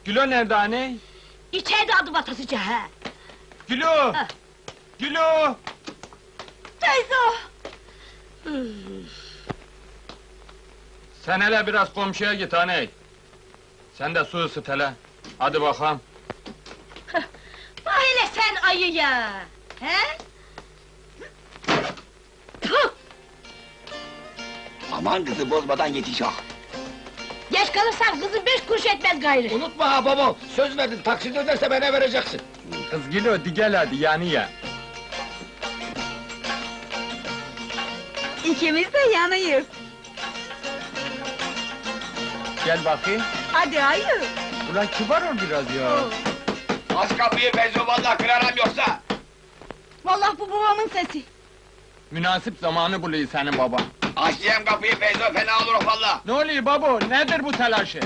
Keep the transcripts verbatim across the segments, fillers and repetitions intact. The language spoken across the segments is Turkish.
Gülo nerede anne? İçeride adım atasıca ha! Gülo! Ha. Gülo! Teyze o! Sen hele biraz komşuya git anne. Sen de su ısıt hele. Hadi bakalım. Bak hele sen ayıya! He? Puh! Aman kızı bozmadan yetiş ah! Geç kalırsan kızın beş kuruş etmez gayrı! Unutma ha babam, söz verdin, taksit öderse bana vereceksin. Kız Gülo, di gel hadi yani ya. İkimiz de yanıyız. Gel bakayım. Hadi hayır. Ulan kibar ol biraz ya. Aç kapıyı Feyzo, vallahi kırarım yoksa! Vallahi bu babamın sesi. Münasip zamanı buluyor senin baban. Aç diyem kapıyı Feyzo, fena olur valla! Ne oluyor babo, nedir bu telaşı?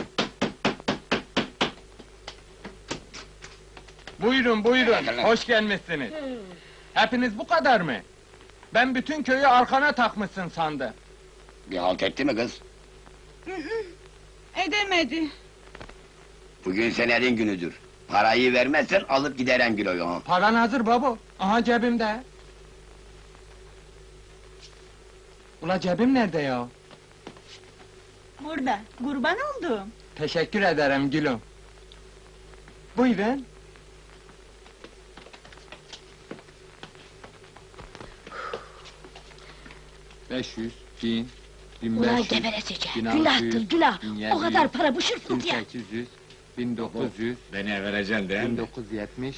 Buyurun, buyurun, hoş gelmişsiniz. Hepiniz bu kadar mı? Ben bütün köyü arkana takmışsın sandım. Bir halt etti mi kız? Edemedi. Bugün senerin günüdür. Parayı vermezsen alıp giderim Gülo'yu ha! Paran hazır babo, aha cebimde. Ula cebim nerede ya? Burada, kurban oldum. Teşekkür ederim gülüm. Buyurun. Beş yüz, bin, bin beş Ulan yüz, geberesice! bin altı Günahtır, yüz, günah! bin O yedi kadar yüz, para bu şırsın bin diye! sekiz yüz, bin dokuz yüz, Beni vereceksin değil bin mi? dokuz yüz yetmiş.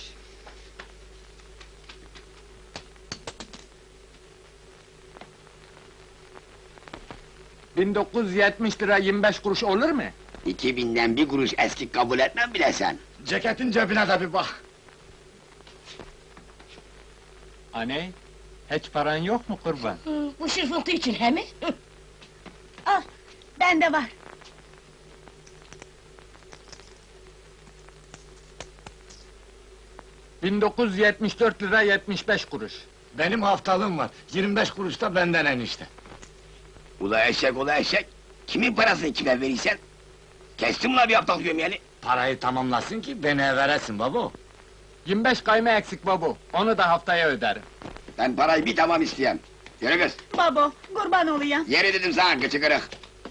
bin dokuz yüz yetmiş lira yirmi beş kuruş olur mu? İki binden bir kuruş eski kabul etmem bile sen! Ceketin cebine de bir bak. Anne, hiç paran yok mu kurban? Hı, bu şırfıntı için he mi? Hı. Al, bende var. bin dokuz yüz yetmiş dört lira yetmiş beş kuruş. Benim haftalığım var, yirmi beş kuruş da benden enişte. Ula eşek, ula eşek! Kimin parasını kime verirsen? Kestim la bir haftalık yemeğini! Parayı tamamlasın ki beni veresin baba. yirmi beş kayma eksik babu, onu da haftaya öderim. Ben parayı bir tamam isteyem! Yürü kız! Babo, kurban olayım. Yere dedim sana kıçı kırık!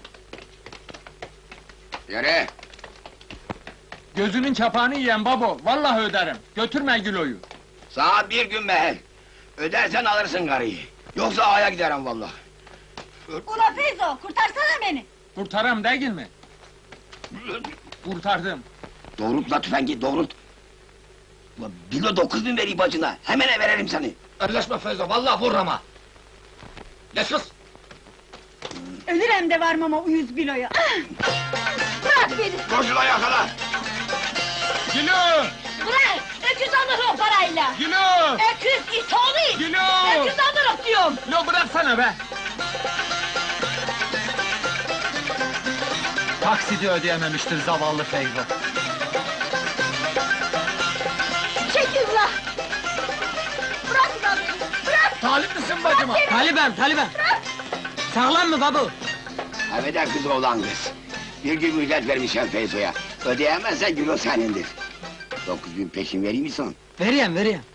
Yürü! Gözünün çapağını yiyen babo, vallahi öderim. Götürme Gülo'yu. Sana bir gün mehel! Ödersen alırsın karıyı! Yoksa aya giderim vallahi! Ula Feyzo, kurtarsana beni. Kurtaram değil mi? Kurtardım. Doğrult la tüfengi, doğrult! Ulan bilo dokuz bin vereyim bacına, hemen verelim seni! Elleşme Feyzo, vallahi vur ama! Geç kız! Ölürem de varmam o yüz biloya. Bırak beni! Koşula yakala! Gülo! Bırak! Öküz alır o parayla! Gülo! Öküz it oğlu! Gülo! Öküz alırım diyorum! Lo bıraksana be! Taksidi ödeyememiştir zavallı Feyzo. Çekil la! Bırak lan beni! Bırak! Talip misin bacıma? Talibem, talibem! Sağlam mı babu? Haveden kız oğlan kız! Bir gün müjdet vermişim Feyzo'ya! Ödeyemezsen gülo senindir! Dokuz bin peşin vereyim mi son? Vereyim, vereyim.